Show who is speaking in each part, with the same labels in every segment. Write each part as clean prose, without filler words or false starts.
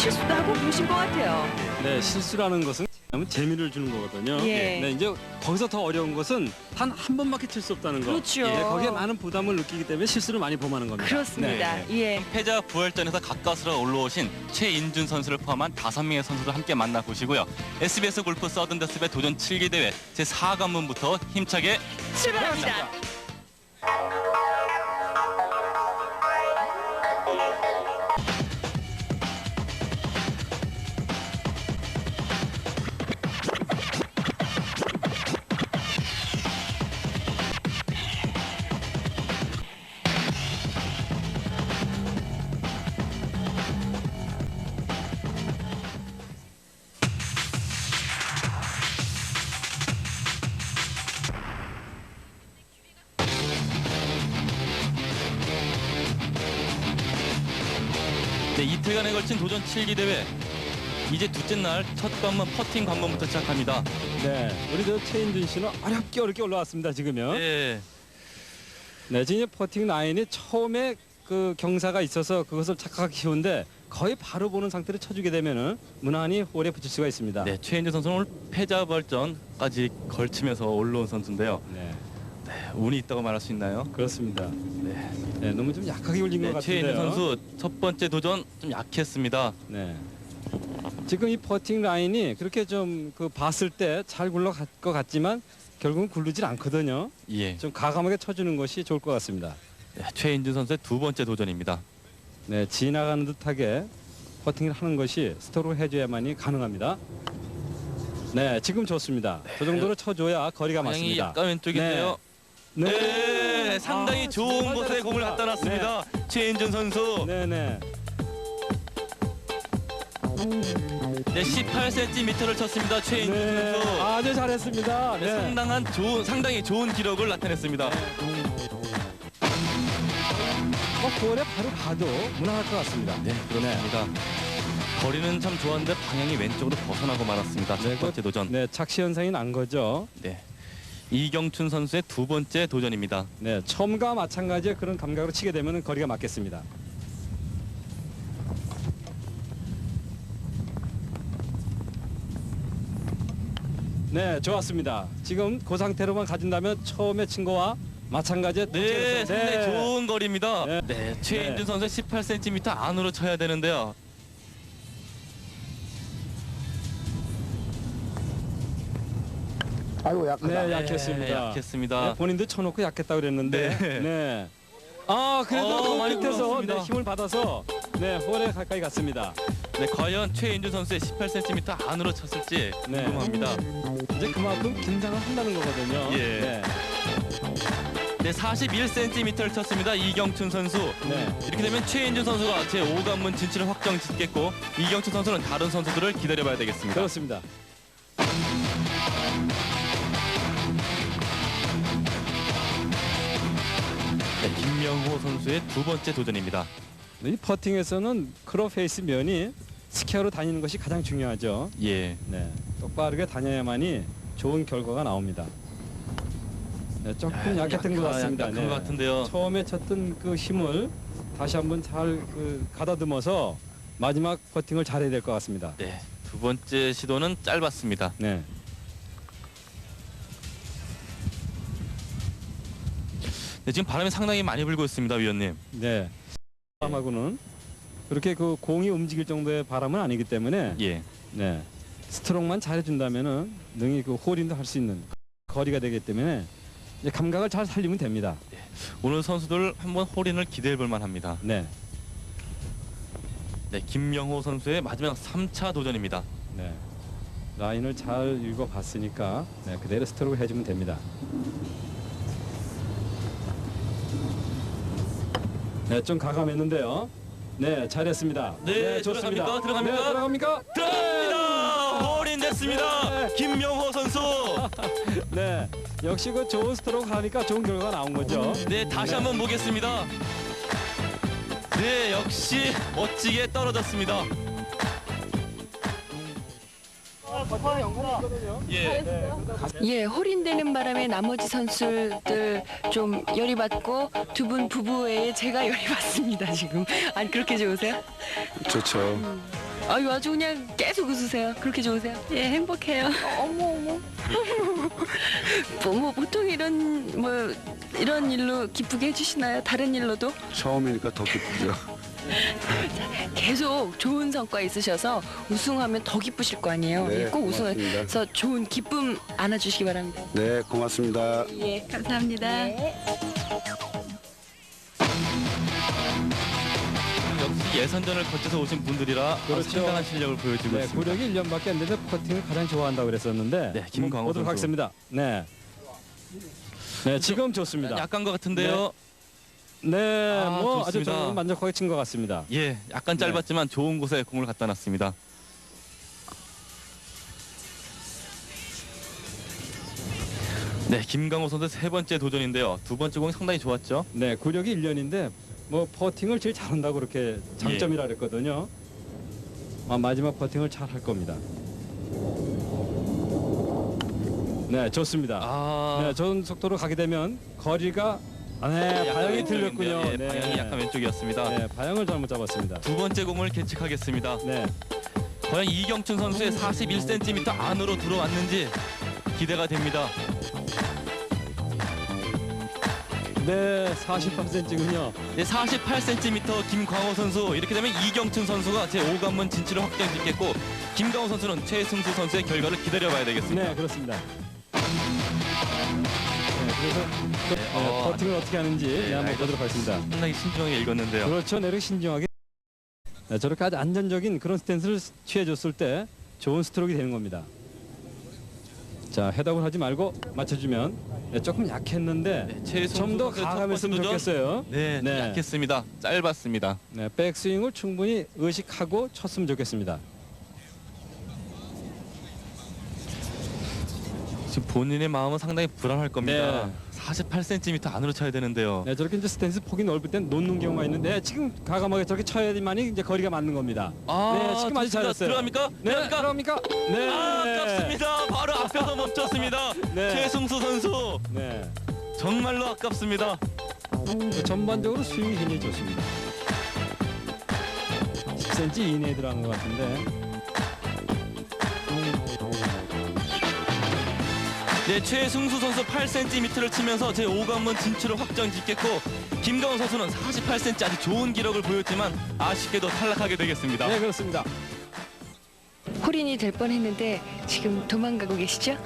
Speaker 1: 실수도 하고 그러신 것 같아요.
Speaker 2: 네, 실수라는 것은 재미를 주는 거거든요.
Speaker 1: 예.
Speaker 2: 네, 이제 거기서 더 어려운 것은 단 한 번밖에 칠 수 없다는 거.
Speaker 1: 그렇죠.
Speaker 2: 네, 거기에 많은 부담을 느끼기 때문에 실수를 많이 범하는 겁니다.
Speaker 1: 그렇습니다.
Speaker 2: 네.
Speaker 1: 예.
Speaker 3: 패자 부활전에서 가까스로 올라오신 최인준 선수를 포함한 5명의 선수를 함께 만나보시고요. SBS 골프 서든데스배 도전 7기 대회 제4관문부터 힘차게
Speaker 1: 출발합니다.
Speaker 3: 네, 이틀간에 걸친 도전 7기 대회 이제 둘째 날 첫 관문 퍼팅 관문부터 시작합니다.
Speaker 2: 네, 우리 저 최인준 씨는 어렵게 올라왔습니다. 지금요.
Speaker 3: 네.
Speaker 2: 네, 지금 퍼팅 라인이 처음에 그 경사가 있어서 그것을 착각하기 쉬운데 거의 바로 보는 상태로 쳐주게 되면은 무난히 홀에 붙일 수가 있습니다.
Speaker 3: 네, 최인준 선수는 오늘 패자 부활전까지 걸치면서 올라온 선수인데요.
Speaker 2: 네,
Speaker 3: 운이 있다고 말할 수 있나요?
Speaker 2: 그렇습니다.
Speaker 3: 네.
Speaker 2: 네, 너무 좀 약하게 올린 것
Speaker 3: 네,
Speaker 2: 같은데요.
Speaker 3: 최인준 선수 첫 번째 도전 좀 약했습니다.
Speaker 2: 네. 지금 이 퍼팅 라인이 그렇게 좀 그 봤을 때 잘 굴러갈 것 같지만 결국은 굴르질 않거든요.
Speaker 3: 예.
Speaker 2: 좀 과감하게 쳐주는 것이 좋을 것 같습니다.
Speaker 3: 네, 최인준 선수의 두 번째 도전입니다.
Speaker 2: 네, 지나가는 듯하게 퍼팅을 하는 것이 스토로 해줘야만이 가능합니다. 네, 지금 좋습니다. 그 정도로 쳐줘야 거리가
Speaker 3: 방향이
Speaker 2: 맞습니다.
Speaker 3: 약간 왼쪽인데요. 네, 상당히
Speaker 2: 아,
Speaker 3: 좋은
Speaker 2: 정말
Speaker 3: 곳에 공을
Speaker 2: 잘했습니다.
Speaker 3: 갖다 놨습니다. 최인준 선수.
Speaker 2: 네, 네.
Speaker 3: 네, 18cm를 쳤습니다. 최인준
Speaker 2: 네,
Speaker 3: 선수.
Speaker 2: 아주 잘했습니다.
Speaker 3: 네,
Speaker 2: 네.
Speaker 3: 상당히 좋은 기록을 나타냈습니다.
Speaker 2: 볼에 바로 봐도 무난할 것 같습니다.
Speaker 3: 네, 그렇습니다. 거리는 참 좋았는데 방향이 왼쪽으로 벗어나고 말았습니다. 첫 번째 도전.
Speaker 2: 네, 착시 현상이 난 거죠.
Speaker 3: 네. 이경춘 선수의 두 번째 도전입니다.
Speaker 2: 네, 처음과 마찬가지의 그런 감각으로 치게 되면 거리가 맞겠습니다. 네, 좋았습니다. 지금 그 상태로만 가진다면 처음에 친 거와 마찬가지의
Speaker 3: 네,
Speaker 2: 도체에서-
Speaker 3: 상당히 좋은 거리입니다.
Speaker 2: 네.
Speaker 3: 네, 최인준
Speaker 2: 네.
Speaker 3: 선수의 18cm 안으로 쳐야 되는데요.
Speaker 4: 아이고 약하다.
Speaker 2: 네, 약했습니다.
Speaker 3: 네, 약했습니다.
Speaker 2: 네, 본인도 쳐놓고 약했다 그랬는데.
Speaker 3: 네.
Speaker 2: 네. 아, 그래도
Speaker 3: 많이
Speaker 2: 그 끝에서
Speaker 3: 굴렀습니다.
Speaker 2: 네, 힘을 받아서 네, 홀에 가까이 갔습니다.
Speaker 3: 네, 과연 최인준 선수의 18cm 안으로 쳤을지
Speaker 2: 네.
Speaker 3: 궁금합니다.
Speaker 2: 이제 그만큼 긴장을 한다는 거거든요.
Speaker 3: 예.
Speaker 2: 네.
Speaker 3: 네, 41cm를 쳤습니다. 이경춘 선수.
Speaker 2: 네.
Speaker 3: 이렇게 되면 최인준 선수가 제5관문 진출을 확정 짓겠고 이경춘 선수는 다른 선수들을 기다려봐야 되겠습니다.
Speaker 2: 그렇습니다.
Speaker 3: 네, 김명호 선수의 두 번째 도전입니다.
Speaker 2: 이 퍼팅에서는 크로 페이스 면이 스퀘어로 다니는 것이 가장 중요하죠.
Speaker 3: 예.
Speaker 2: 네. 똑바르게 다녀야만이 좋은 결과가 나옵니다. 네, 조금 약했던 것 같습니다.
Speaker 3: 약한 것 같은데요.
Speaker 2: 처음에 쳤던 그 힘을 다시 한번 잘 가다듬어서 마지막 퍼팅을 잘해야 될 것 같습니다.
Speaker 3: 네, 두 번째 시도는 짧았습니다.
Speaker 2: 네.
Speaker 3: 네, 지금 바람이 상당히 많이 불고 있습니다, 위원님.
Speaker 2: 네. 바람하고는 그렇게 그 공이 움직일 정도의 바람은 아니기 때문에
Speaker 3: 예.
Speaker 2: 네. 스트로크만 잘해준다면은 능히 그 홀인도 할 수 있는 거리가 되기 때문에 이제 감각을 잘 살리면 됩니다.
Speaker 3: 오늘 선수들 한번 홀인을 기대해 볼 만합니다.
Speaker 2: 네.
Speaker 3: 네, 김명호 선수의 마지막 3차 도전입니다.
Speaker 2: 네. 라인을 잘 읽어봤으니까 네, 그대로 스트로크 해주면 됩니다. 네, 좀 가감했는데요. 네, 잘했습니다.
Speaker 3: 네,
Speaker 2: 좋습니다.
Speaker 3: 들어갑니까?
Speaker 2: 네, 들어갑니까?
Speaker 3: 들어갑니다! 홀인 됐습니다!
Speaker 2: 네.
Speaker 3: 김명호 선수!
Speaker 2: 네, 역시 그 좋은 스트로크 하니까 좋은 결과가 나온 거죠.
Speaker 3: 네, 다시 한번 보겠습니다. 네, 역시 멋지게 떨어졌습니다. 예.
Speaker 1: 예, 홀인되는 바람에 나머지 선수들 좀 열이 받고 두 분 부부 외에 제가 열이 받습니다 지금. 아니 그렇게 좋으세요?
Speaker 4: 좋죠.
Speaker 1: 아유 아주 그냥 계속 웃으세요. 그렇게 좋으세요?
Speaker 4: 예, 행복해요.
Speaker 1: 어머. 뭐 보통 이런 일로 기쁘게 해주시나요? 다른 일로도?
Speaker 5: 처음이니까 더 기쁘죠.
Speaker 1: 계속 좋은 성과 있으셔서 우승하면 더 기쁘실 거 아니에요.
Speaker 5: 네,
Speaker 1: 예, 꼭
Speaker 5: 고맙습니다.
Speaker 1: 우승해서 좋은 기쁨 안아주시기 바랍니다.
Speaker 5: 네, 고맙습니다.
Speaker 1: 예.
Speaker 4: 감사합니다.
Speaker 3: 역시 예선전을 거쳐서 오신 분들이라
Speaker 2: 그렇죠.
Speaker 3: 상당한 실력을 보여주고
Speaker 2: 네,
Speaker 3: 있습니다.
Speaker 2: 구력이 1년밖에 안 되는데 퍼팅을 가장 좋아한다고 그랬었는데
Speaker 3: 네, 김광호
Speaker 2: 보도록
Speaker 3: 선수.
Speaker 2: 하겠습니다. 네. 네, 지금 좋습니다.
Speaker 3: 약간 것 같은데요.
Speaker 2: 네,
Speaker 3: 아,
Speaker 2: 뭐 아주
Speaker 3: 좋습니다.
Speaker 2: 저는 만족하게 친 것 같습니다.
Speaker 3: 예, 약간
Speaker 2: 네.
Speaker 3: 짧았지만 좋은 곳에 공을 갖다 놨습니다. 네, 김강호 선수 세 번째 도전인데요. 두 번째 공이 상당히 좋았죠.
Speaker 2: 네, 구력이 1년인데 뭐 퍼팅을 제일 잘한다고 그렇게 장점이라 그랬거든요. 마지막 퍼팅을 잘 할 겁니다. 네, 좋습니다.
Speaker 3: 아,
Speaker 2: 네, 좋은 속도로 가게 되면 거리가 네, 방향이 틀렸군요.
Speaker 3: 예,
Speaker 2: 네.
Speaker 3: 방향이 약간 왼쪽이었습니다.
Speaker 2: 네, 방향을 잘못 잡았습니다.
Speaker 3: 두 번째 공을 계측하겠습니다.
Speaker 2: 네,
Speaker 3: 과연 이경춘 선수의 41cm 안으로 들어왔는지 기대가 됩니다.
Speaker 2: 네, 48cm군요.
Speaker 3: 네, 48cm 김광호 선수. 이렇게 되면 이경춘 선수가 제5관문 진출을 확정짓겠고 김광호 선수는 최승수 선수의 결과를 기다려봐야 되겠습니다.
Speaker 2: 네, 그렇습니다. 네, 그래서 퍼팅을 어떻게 하는지 네, 한번 보도록 하겠습니다.
Speaker 3: 상당히 신중하게 읽었는데요.
Speaker 2: 그렇죠, 내력 신중하게. 네, 저렇게 아주 안전적인 그런 스탠스를 취해줬을 때 좋은 스트로크가 되는 겁니다. 자, 헤드업을 하지 말고 맞춰주면 네, 조금 약했는데
Speaker 3: 네, 최승수
Speaker 2: 좀 더
Speaker 3: 선수의 첫
Speaker 2: 가감했으면
Speaker 3: 번째 도전.
Speaker 2: 좋겠어요.
Speaker 3: 네,
Speaker 2: 네.
Speaker 3: 약했습니다. 짧았습니다.
Speaker 2: 네, 백스윙을 충분히 의식하고 쳤으면 좋겠습니다.
Speaker 3: 지금 본인의 마음은 상당히 불안할 겁니다.
Speaker 2: 네.
Speaker 3: 48cm 안으로 쳐야 되는데요.
Speaker 2: 네, 저렇게 이제 스탠스 폭이 넓을 땐 놓는 경우가 있는데 지금 가감하게 저렇게 쳐야만이 이제 거리가 맞는 겁니다. 네, 지금 아주
Speaker 3: 좋습니다.
Speaker 2: 잘했어요.
Speaker 3: 들어갑니까?
Speaker 2: 네,
Speaker 3: 들어갑니까?
Speaker 2: 들어갑니까? 네.
Speaker 3: 아, 아깝습니다. 바로 앞에서 멈췄습니다.
Speaker 2: 네.
Speaker 3: 최승수 선수
Speaker 2: 네.
Speaker 3: 정말로 아깝습니다.
Speaker 2: 전반적으로 스윙이 굉장히 좋습니다. 10cm 이내에 들어간 것 같은데.
Speaker 3: 네, 최승수 선수 8cm를 치면서 제5관문 진출을 확정짓겠고 김강호 선수는 48cm 아주 좋은 기록을 보였지만 아쉽게도 탈락하게 되겠습니다.
Speaker 2: 네, 그렇습니다.
Speaker 1: 홀인이 될 뻔했는데 지금 도망가고 계시죠?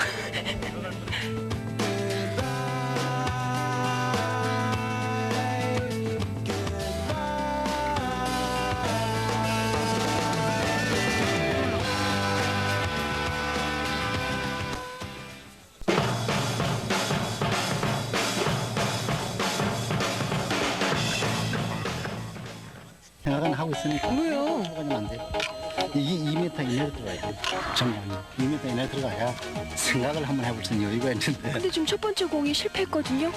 Speaker 6: 생각은 하고 있으니까.
Speaker 1: 왜요?
Speaker 6: 하면 안 돼. 2m 이내로 들어가야 돼. 정말 2m 이내로 들어가야 생각을 한번 해볼 수 있는 여유가 있는데
Speaker 1: 근데 지금 첫 번째 공이 실패했거든요.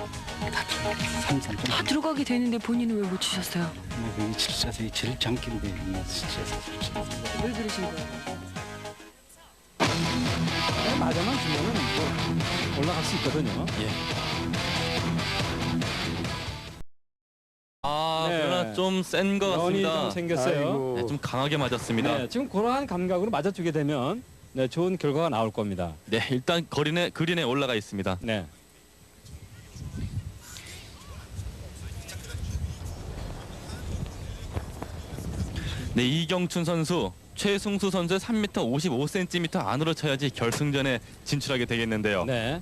Speaker 6: 3점
Speaker 1: 다 들어가게 되는데 본인은 왜 못 치셨어요?
Speaker 6: 이 칠사서 이 제일 장기인데 칠사서
Speaker 1: 왜 그러신 거예요?
Speaker 2: 네, 맞아만 주면은 뭐 올라갈 수 있거든요.
Speaker 3: 아,
Speaker 2: 네.
Speaker 3: 그러나 좀 센 것
Speaker 2: 연이 좀
Speaker 3: 같습니다.
Speaker 2: 생겼어요.
Speaker 3: 네, 좀 강하게 맞았습니다.
Speaker 2: 네, 지금 그러한 감각으로 맞아주게 되면 네, 좋은 결과가 나올 겁니다.
Speaker 3: 네, 일단 그린에 올라가 있습니다.
Speaker 2: 네.
Speaker 3: 네, 이경춘 선수, 최승수 선수의 3m 55cm 안으로 쳐야지 결승전에 진출하게 되겠는데요.
Speaker 2: 네.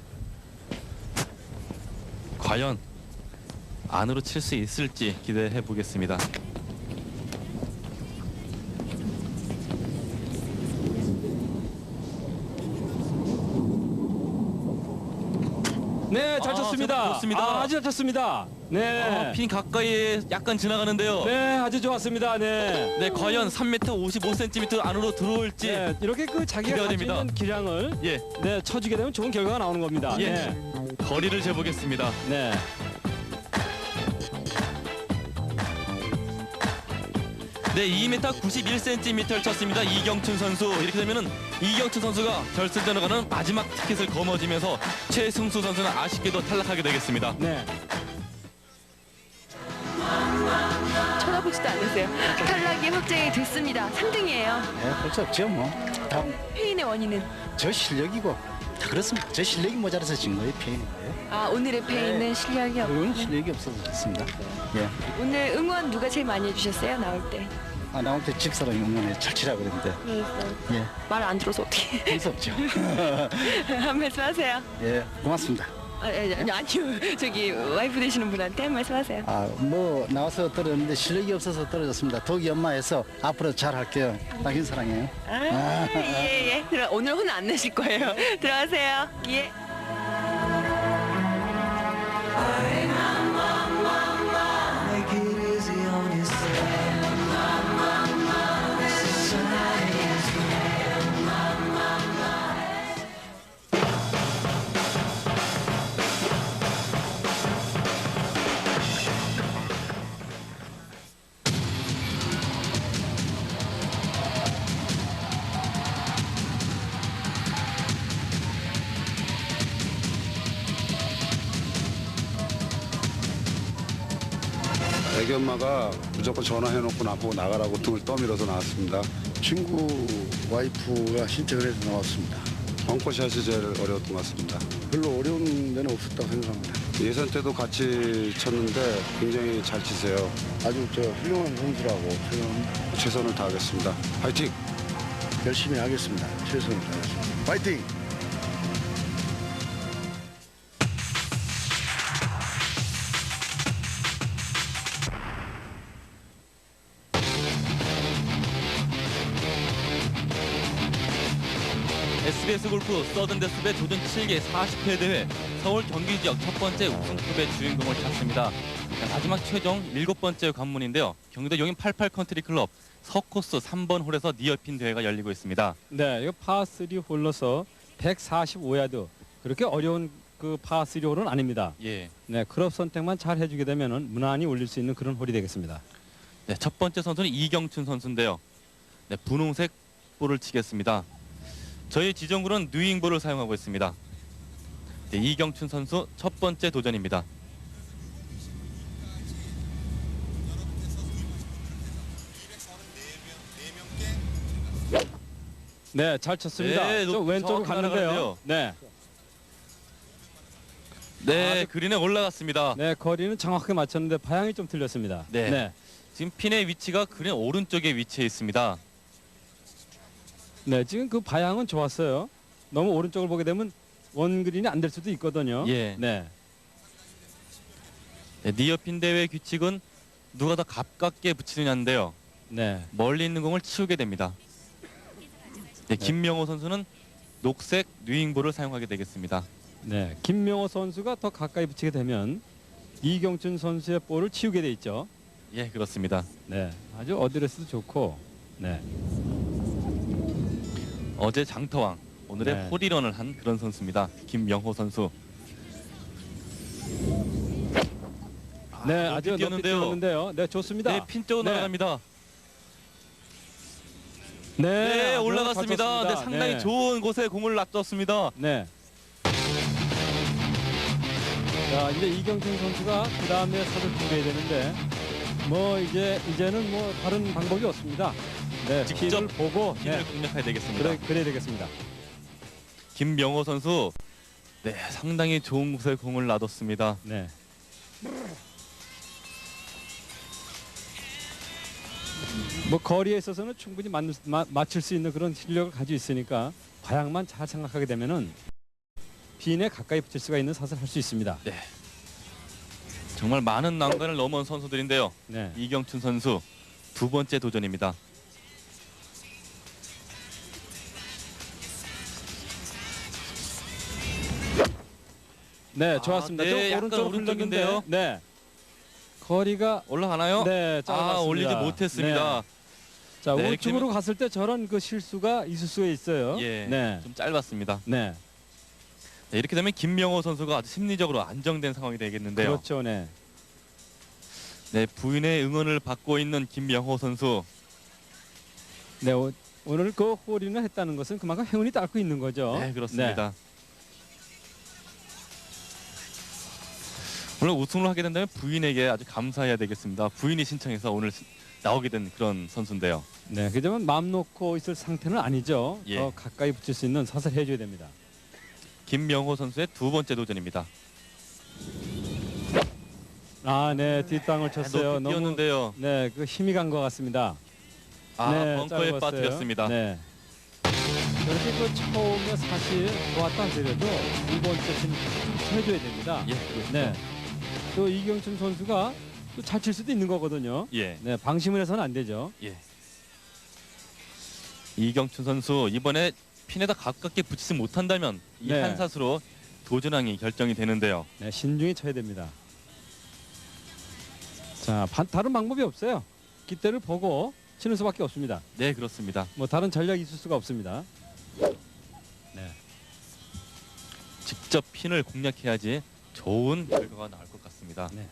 Speaker 3: 과연 안으로 칠 수 있을지 기대해 보겠습니다.
Speaker 2: 네, 잘
Speaker 3: 아,
Speaker 2: 쳤습니다.
Speaker 3: 좋습니다.
Speaker 2: 아주 잘 쳤습니다. 네.
Speaker 3: 핀 가까이에 약간 지나가는데요.
Speaker 2: 네, 아주 좋았습니다. 네.
Speaker 3: 네, 과연 3m 55cm 안으로 들어올지.
Speaker 2: 네, 이렇게 그 자기가
Speaker 3: 기대가
Speaker 2: 가지고
Speaker 3: 됩니다.
Speaker 2: 있는 기량을
Speaker 3: 예,
Speaker 2: 네, 쳐주게 되면 좋은 결과가 나오는 겁니다.
Speaker 3: 예.
Speaker 2: 네.
Speaker 3: 거리를 재보겠습니다.
Speaker 2: 네.
Speaker 3: 네, 2m 91cm를 쳤습니다. 이경춘 선수. 이렇게 되면은 이경춘 선수가 결승전에 가는 마지막 티켓을 거머쥐면서 최승수 선수는 아쉽게도 탈락하게 되겠습니다.
Speaker 2: 네.
Speaker 1: 쳐다보시 해보지도 않았어요. 탈락이 확정이 됐습니다. 3등이에요.
Speaker 6: 예, 볼수 없죠 뭐. 다음
Speaker 1: 패인의 원인은
Speaker 6: 저 실력이고 다 그렇습니다. 저 실력이 모자라서 진 거예요, 패인인데요.
Speaker 1: 오늘의 패인은 실력이 없고
Speaker 6: 그건 실력이 없어서 그렇습니다. 예.
Speaker 1: 오늘 응원 누가 제일 많이 해주셨어요? 나올 때.
Speaker 6: 나올 때 집사람이 응원해 잘 치라 그랬는데 예,
Speaker 1: 말 안 들어서 어떻게
Speaker 6: 볼수 없죠.
Speaker 1: 한 말씀 하세요.
Speaker 6: 예, 고맙습니다.
Speaker 1: 아니요. 저기 와이프 되시는 분한테 한 말씀 하세요.
Speaker 6: 뭐 나와서 떨어졌는데 실력이 없어서 떨어졌습니다. 독이 엄마에서 앞으로 잘 할게요. 당신 사랑해요.
Speaker 1: 예. 오늘 혼 안 내실 거예요. 들어가세요. 예.
Speaker 4: Make it easy on yourself. Society is
Speaker 5: 애기 엄마가 무조건 전화해놓고 나보고 나가라고 등을 떠밀어서 나왔습니다.
Speaker 7: 친구 와이프가 신청을 해서 나왔습니다.
Speaker 5: 벙커샷이 제일 어려웠던 것 같습니다.
Speaker 7: 별로 어려운 데는 없었다고 생각합니다.
Speaker 5: 예선 때도 같이 쳤는데 굉장히 잘 치세요.
Speaker 7: 아주 훌륭한 선수라고 생각합니다.
Speaker 5: 최선을 다하겠습니다. 파이팅!
Speaker 7: 열심히 하겠습니다. 최선을 다하겠습니다. 파이팅!
Speaker 3: SBS 골프 서든데스배 도전 7개 40회 대회 서울 경기 지역 첫 번째 우승컵의 주인공을 찾습니다. 마지막 최종 7번째 관문인데요. 경기도 용인 88 컨트리 클럽 서코스 3번 홀에서 니어핀 대회가 열리고 있습니다.
Speaker 2: 네, 이거 파3 홀로서 145야드. 그렇게 어려운 그 파3 홀은 아닙니다.
Speaker 3: 예.
Speaker 2: 네, 클럽 선택만 잘 해주게 되면은 무난히 올릴 수 있는 그런 홀이 되겠습니다.
Speaker 3: 네, 첫 번째 선수는 이경춘 선수인데요. 네, 분홍색 볼을 치겠습니다. 저희 지정구는 뉴잉볼을 사용하고 있습니다. 네, 이경춘 선수 첫 번째 도전입니다.
Speaker 2: 네, 잘 쳤습니다.
Speaker 3: 네,
Speaker 2: 저 왼쪽으로
Speaker 3: 정확히
Speaker 2: 갔는데요.
Speaker 3: 날아가는데요.
Speaker 2: 네,
Speaker 3: 네, 그린에 올라갔습니다.
Speaker 2: 네, 거리는 정확하게 맞췄는데 방향이 좀 틀렸습니다.
Speaker 3: 네. 지금 핀의 위치가 그린 오른쪽에 위치해 있습니다.
Speaker 2: 네, 지금 그 방향은 좋았어요. 너무 오른쪽을 보게 되면 원그린이 안 될 수도 있거든요.
Speaker 3: 예.
Speaker 2: 네,
Speaker 3: 네, 니어핀 대회 규칙은 누가 더 가깝게 붙이느냐인데요.
Speaker 2: 네,
Speaker 3: 멀리 있는 공을 치우게 됩니다. 네, 김명호 선수는 녹색 뉴잉볼을 사용하게 되겠습니다.
Speaker 2: 네. 김명호 선수가 더 가까이 붙이게 되면 이경춘 선수의 볼을 치우게 돼 있죠.
Speaker 3: 예, 그렇습니다.
Speaker 2: 네, 아주 어드레스도 좋고, 네,
Speaker 3: 어제 장터왕, 오늘의
Speaker 2: 네.
Speaker 3: 홀이런을 한 그런 선수입니다. 김명호 선수.
Speaker 2: 네,
Speaker 3: 높이
Speaker 2: 아주 높이
Speaker 3: 뛰었는데요.
Speaker 2: 뛰었는데요. 네, 좋습니다.
Speaker 3: 네, 핀 쪽으로
Speaker 2: 네.
Speaker 3: 날아갑니다.
Speaker 2: 네,
Speaker 3: 네,
Speaker 2: 아주
Speaker 3: 올라갔습니다.
Speaker 2: 잘
Speaker 3: 네,
Speaker 2: 쳤습니다.
Speaker 3: 상당히
Speaker 2: 네.
Speaker 3: 좋은 곳에 공을 놔뒀습니다.
Speaker 2: 네. 자, 이제 이경춘 선수가 그 다음에 사를 준비해야 되는데, 뭐 이제는 뭐 다른 방법이 없습니다. 네,
Speaker 3: 직접
Speaker 2: 핀을 보고
Speaker 3: 핀을 공략해야 되겠습니다.
Speaker 2: 그래야 되겠습니다.
Speaker 3: 김명호 선수, 네, 상당히 좋은 곳에 공을 놔뒀습니다.
Speaker 2: 네. 뭐 거리에 있어서는 충분히 맞출 수 있는 그런 실력을 가지고 있으니까 방향만 잘 생각하게 되면은 핀에 가까이 붙일 수가 있는 샷을 할 수 있습니다.
Speaker 3: 네, 정말 많은 난관을 넘은 선수들인데요.
Speaker 2: 네.
Speaker 3: 이경춘 선수 두 번째 도전입니다.
Speaker 2: 네, 좋았습니다.
Speaker 3: 네,
Speaker 2: 좀
Speaker 3: 약간
Speaker 2: 오른쪽으로
Speaker 3: 오른쪽인데요.
Speaker 2: 흘렀는데, 네. 거리가
Speaker 3: 올라가나요?
Speaker 2: 네, 짧았습니다.
Speaker 3: 올리지 못했습니다.
Speaker 2: 네. 자,
Speaker 3: 네,
Speaker 2: 우측으로 갔을 때 저런 그 실수가 있을 수가 있어요.
Speaker 3: 예,
Speaker 2: 네.
Speaker 3: 좀 짧았습니다.
Speaker 2: 네.
Speaker 3: 네, 이렇게 되면 김명호 선수가 아주 심리적으로 안정된 상황이 되겠는데요.
Speaker 2: 그렇죠. 네.
Speaker 3: 네, 부인의 응원을 받고 있는 김명호 선수.
Speaker 2: 네, 오늘 그 홀인을 했다는 것은 그만큼 행운이 닦고 있는 거죠.
Speaker 3: 네, 그렇습니다. 오늘 우승을 하게 된다면 부인에게 아주 감사해야 되겠습니다. 부인이 신청해서 오늘 나오게 된 그런 선수인데요.
Speaker 2: 네, 그지만 마음 놓고 있을 상태는 아니죠.
Speaker 3: 예.
Speaker 2: 더 가까이 붙일 수 있는 사슬 해줘야 됩니다.
Speaker 3: 김명호 선수의 두 번째 도전입니다.
Speaker 2: 아, 네, 뒷땅을 쳤어요.
Speaker 3: 높이 뛰었는데요.
Speaker 2: 네, 그 힘이 간 것 같습니다.
Speaker 3: 아,
Speaker 2: 네,
Speaker 3: 벙커에
Speaker 2: 짧았어요.
Speaker 3: 빠뜨렸습니다.
Speaker 2: 네. 저렇게 그 처음에 사실 좋았다 하더라도 두 번째 좀 해줘야 됩니다.
Speaker 3: 예, 그렇죠.
Speaker 2: 네. 또 이경춘 선수가 또 잘 칠 수도 있는 거거든요.
Speaker 3: 예,
Speaker 2: 네, 방심을 해서는 안 되죠.
Speaker 3: 예. 이경춘 선수 이번에 핀에다 가깝게 붙이지 못한다면 이
Speaker 2: 네.
Speaker 3: 한 샷으로 도전왕이 결정이 되는데요.
Speaker 2: 네, 신중히 쳐야 됩니다. 자, 다른 방법이 없어요. 기대를 보고 치는 수밖에 없습니다.
Speaker 3: 네, 그렇습니다.
Speaker 2: 뭐 다른 전략이 있을 수가 없습니다. 네.
Speaker 3: 직접 핀을 공략해야지 좋은 결과가 나올 것 같습니다.
Speaker 2: 네.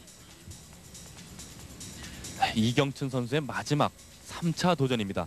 Speaker 3: 이경춘 선수의 마지막 3차 도전입니다.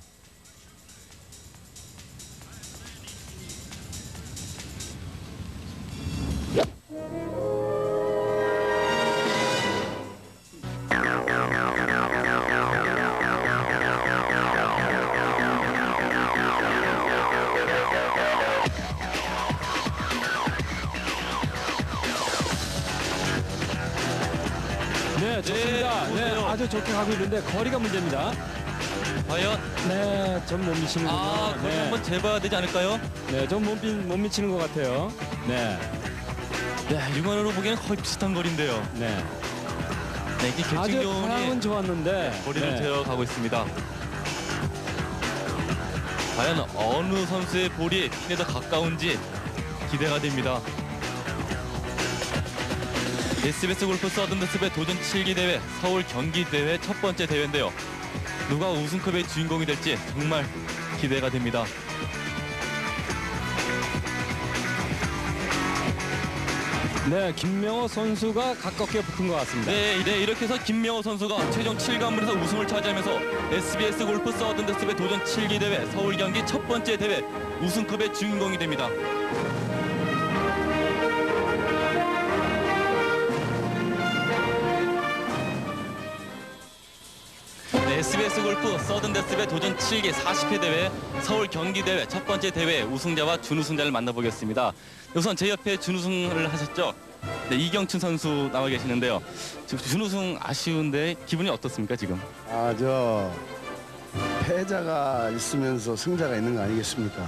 Speaker 2: 네, 좋습니다. 네,
Speaker 3: 보세요.
Speaker 2: 아주 좋게 가고 있는데 거리가 문제입니다.
Speaker 3: 과연
Speaker 2: 네, 좀 못 미치는군요.
Speaker 3: 거리
Speaker 2: 네.
Speaker 3: 한번 재봐야 되지 않을까요?
Speaker 2: 네, 좀 못 미치는 것 같아요. 네,
Speaker 3: 네, 육안으로 보기에는 거의 비슷한 거리인데요.
Speaker 2: 네.
Speaker 3: 네, 이게
Speaker 2: 아주
Speaker 3: 결승전이
Speaker 2: 방향은 좋았는데
Speaker 3: 거리를
Speaker 2: 네.
Speaker 3: 재어 가고 있습니다. 과연 어느 선수의 볼이 핀에 더 가까운지 기대가 됩니다. SBS 골프 서든데스배 도전 7기 대회 서울 경기 대회 첫 번째 대회인데요. 누가 우승컵의 주인공이 될지 정말 기대가 됩니다.
Speaker 2: 네, 김명호 선수가 가깝게 붙은 것 같습니다.
Speaker 3: 네, 이렇게 해서 김명호 선수가 최종 7관문에서 우승을 차지하면서 SBS 골프 서든데스배 도전 7기 대회 서울 경기 첫 번째 대회 우승컵의 주인공이 됩니다. 네, SBS 골프 서든데스배 도전 7기 40회 대회 서울 경기 대회 첫 번째 대회 우승자와 준우승자를 만나보겠습니다. 우선 제 옆에 준우승을 하셨죠? 네, 이경춘 선수 나와 계시는데요. 지금 준우승 아쉬운데 기분이 어떻습니까 지금?
Speaker 7: 저 패자가 있으면서 승자가 있는 거 아니겠습니까?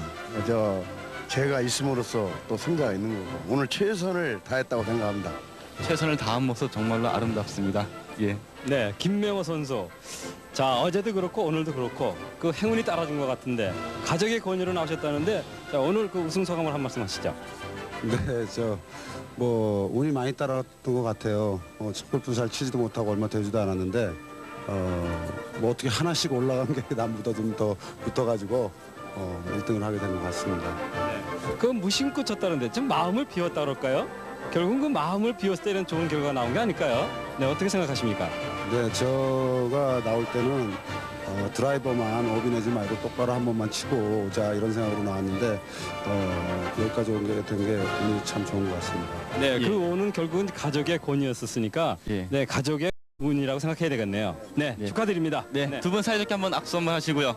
Speaker 7: 제가 있음으로써 또 승자가 있는 거고 오늘 최선을 다했다고 생각합니다.
Speaker 3: 최선을 다한 모습 정말로 아름답습니다. 예.
Speaker 2: 네, 김명호 선수. 자, 어제도 그렇고 오늘도 그렇고 그 행운이 따라준 것 같은데 가족의 권유로 나오셨다는데 자, 오늘 그 우승 소감을 한 말씀 하시죠.
Speaker 5: 네, 운이 많이 따랐던 것 같아요. 골프 잘 치지도 못하고 얼마 되지도 않았는데 어떻게 하나씩 올라간 게 남보다 좀 더 붙어가지고 1등을 하게 된 것 같습니다.
Speaker 2: 그 무심코 쳤다는데 좀 마음을 비웠다 그럴까요? 결국은 그 마음을 비웠을 때는 좋은 결과가 나온 게 아닐까요? 네, 어떻게 생각하십니까?
Speaker 5: 네, 제가 나올 때는 드라이버만 오비내지 말고 똑바로 한 번만 치고 오자 이런 생각으로 나왔는데 여기까지 오게 된 게 운이 참 좋은 것 같습니다.
Speaker 2: 네,
Speaker 3: 예.
Speaker 2: 그 오는 결국은 가족의 권유였었으니까
Speaker 3: 예.
Speaker 2: 네, 가족의 운이라고 생각해야 되겠네요. 네,
Speaker 3: 예.
Speaker 2: 축하드립니다.
Speaker 3: 네, 두 분 사이좋게 한번 악수 한번 하시고요.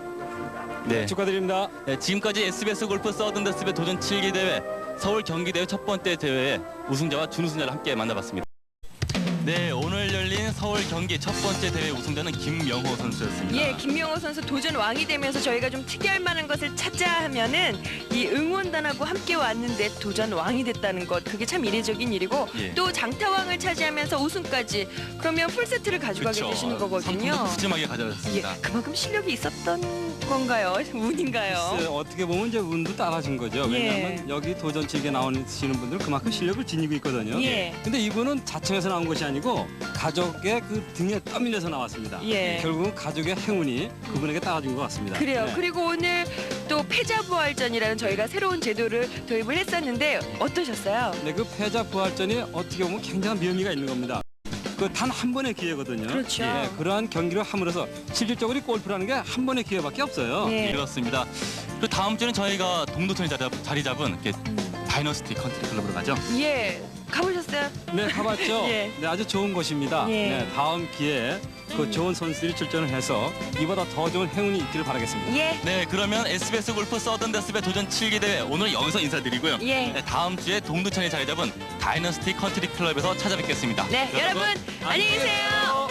Speaker 3: 네.
Speaker 2: 축하드립니다.
Speaker 3: 네, 지금까지 SBS 골프 서든데스배 도전 7기 대회 서울 경기 대회 첫 번째 대회에 우승자와 준우승자를 함께 만나봤습니다. 네, 오늘 열린 서울 경기 첫 번째 대회 우승자는 김명호 선수였습니다.
Speaker 1: 예, 김명호 선수 도전 왕이 되면서 저희가 좀 특이할 만한 것을 찾자 하면은 이 응원단하고 함께 왔는데 도전 왕이 됐다는 것, 그게 참 이례적인 일이고
Speaker 3: 예.
Speaker 1: 또 장타왕을 차지하면서 우승까지, 그러면 풀세트를 가져가게
Speaker 3: 그렇죠.
Speaker 1: 되시는 거거든요.
Speaker 3: 상품도 푸짐하게
Speaker 1: 예,
Speaker 3: 가져갔습니다.
Speaker 1: 그만큼 실력이 있었던 건가요? 운인가요?
Speaker 2: 글쎄요, 어떻게 보면 이제 운도 따라준 거죠.
Speaker 1: 예.
Speaker 2: 왜냐하면 여기 도전 7개 나오시는 분들은 그만큼 실력을 지니고 있거든요.
Speaker 1: 예.
Speaker 2: 근데 이분은 자청에서 나온 것이 아니고 가족의 그 등에 떠밀려서 나왔습니다.
Speaker 1: 예.
Speaker 2: 결국은 가족의 행운이 그분에게 따라준 것 같습니다.
Speaker 1: 그래요.
Speaker 2: 네.
Speaker 1: 그리고 오늘 또 패자부활전이라는 저희가 새로운 제도를 도입을 했었는데 어떠셨어요?
Speaker 2: 네, 그 패자 부활전이 어떻게 보면 굉장한 묘미가 있는 겁니다. 그 단 한 번의 기회거든요.
Speaker 1: 그렇죠.
Speaker 2: 예, 그러한 경기를 함으로써 실질적으로 골프라는 게 한 번의 기회밖에 없어요.
Speaker 1: 예.
Speaker 3: 그렇습니다. 그리고 다음 주는 저희가 동두천에 자리 잡은 이렇게 다이너스티 컨트리 클럽으로 가죠.
Speaker 1: 예. 가보셨어요?
Speaker 2: 네, 가봤죠?
Speaker 1: 예.
Speaker 2: 네, 아주 좋은 곳입니다.
Speaker 1: 예.
Speaker 2: 네, 다음 기회에 그 좋은 선수들이 출전을 해서 이보다 더 좋은 행운이 있기를 바라겠습니다.
Speaker 1: 예.
Speaker 3: 네, 그러면 SBS 골프 서든데스배 도전 7기 대회 오늘 여기서 인사드리고요.
Speaker 1: 예.
Speaker 3: 네, 다음 주에 동두천에 자리 잡은 다이너스티 컨트리 클럽에서 찾아뵙겠습니다.
Speaker 1: 네, 여러분 안녕히 계세요.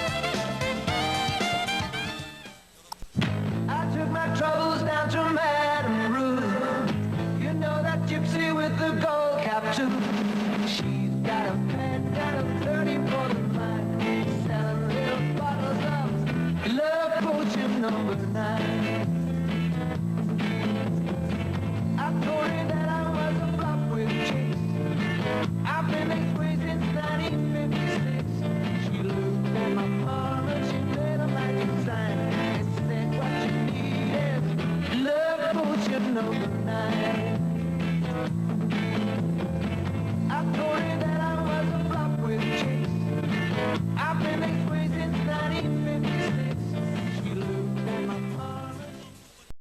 Speaker 4: I took my troubles down to Madame Ruth. You know that gypsy with the gold cap too. She's got a pen and a 30 for the mind, selling little bottles of love potion number 9. I told her that I was a flop with chicks. I've been this way since 1956. She looked at my arm and she made a magic sign and said what you need is love potion number 9.